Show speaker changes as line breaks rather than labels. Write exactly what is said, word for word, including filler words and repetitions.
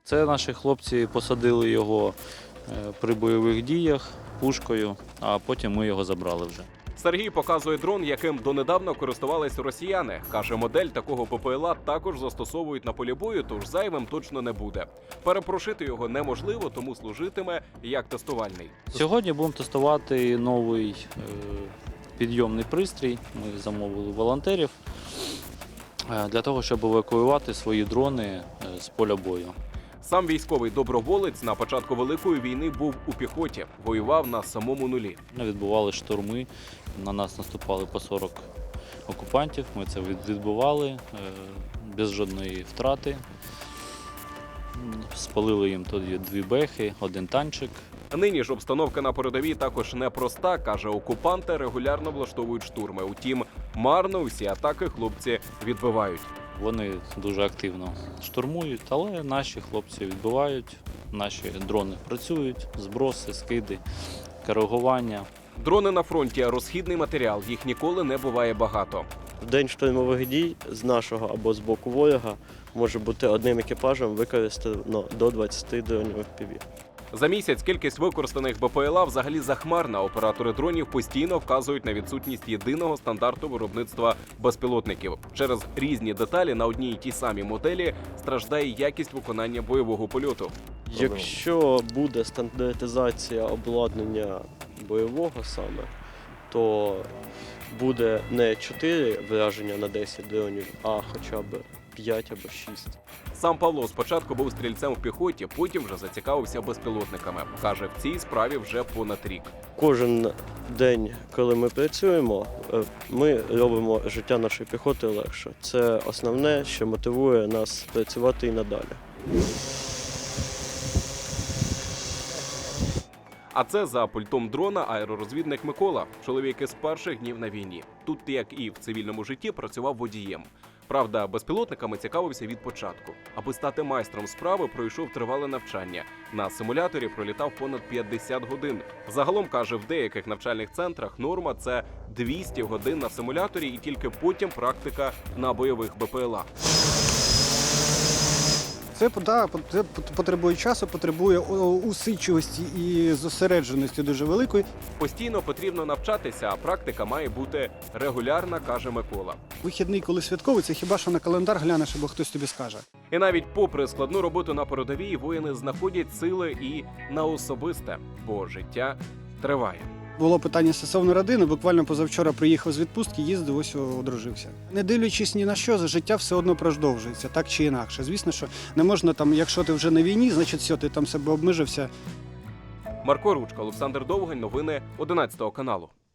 Це наші хлопці посадили його при бойових діях пушкою, а потім ми його забрали вже.
Сергій показує дрон, яким донедавна користувались росіяни. Каже, модель такого ППЛА також застосовують на полі бою, тож зайвим точно не буде. Перепрошити його неможливо, тому служитиме як тестувальний.
Сьогодні будемо тестувати новий е, підйомний пристрій. Ми замовили волонтерів е, для того, щоб евакуювати свої дрони е, з поля бою.
Сам військовий доброволець на початку Великої війни був у піхоті, воював на самому нулі.
Відбували штурми, на нас наступали по сорок окупантів, ми це відбивали без жодної втрати. Спалили їм тоді дві бехи, один танчик.
Нині ж обстановка на передовій також непроста, каже, окупанти регулярно влаштовують штурми. Утім, марно усі атаки хлопці відбивають.
Вони дуже активно штурмують, але наші хлопці відбивають, наші дрони працюють, зброси, скиди, коригування.
Дрони на фронті – розхідний матеріал, їх ніколи не буває багато.
В день штурмових дій з нашого або з боку ворога може бути одним екіпажем використано до двадцяти дронів еф пі ві.
За місяць кількість використаних БПЛА взагалі захмарна. Оператори дронів постійно вказують на відсутність єдиного стандарту виробництва безпілотників. Через різні деталі на одній і тій самій моделі страждає якість виконання бойового польоту.
Якщо буде стандартизація обладнання бойового саме, то буде не чотири враження на десять дронів, а хоча б п'ять або шість.
Сам Павло спочатку був стрільцем в піхоті, потім вже зацікавився безпілотниками. Каже, в цій справі вже понад рік.
Кожен день, коли ми працюємо, ми робимо життя нашої піхоти легше. Це основне, що мотивує нас працювати і надалі.
А це за пультом дрона аеророзвідник Микола. Чоловік із перших днів на війні. Тут, як і в цивільному житті, працював водієм. Правда, безпілотниками цікавився від початку. Аби стати майстром справи, пройшов тривале навчання. На симуляторі пролітав понад п'ятдесят годин. Загалом, каже, в деяких навчальних центрах норма – це двісті годин на симуляторі і тільки потім практика на бойових БПЛА.
Це, да, це потребує часу, потребує усидчивості і зосередженості дуже великої.
Постійно потрібно навчатися, а практика має бути регулярна, каже Микола.
Вихідний, коли святковий, це хіба що на календар глянеш, або хтось тобі скаже.
І навіть попри складну роботу на передовій, воїни знаходять сили і на особисте, бо життя триває.
Було питання стосовно родини, буквально позавчора приїхав з відпустки, їздив, ось одружився. Не дивлячись ні на що, життя все одно продовжується, так чи інакше. Звісно, що не можна там, якщо ти вже на війні, значить все, ти там себе обмежився.
Марко Ручка, Олександр Довгань, новини одинадцятого каналу.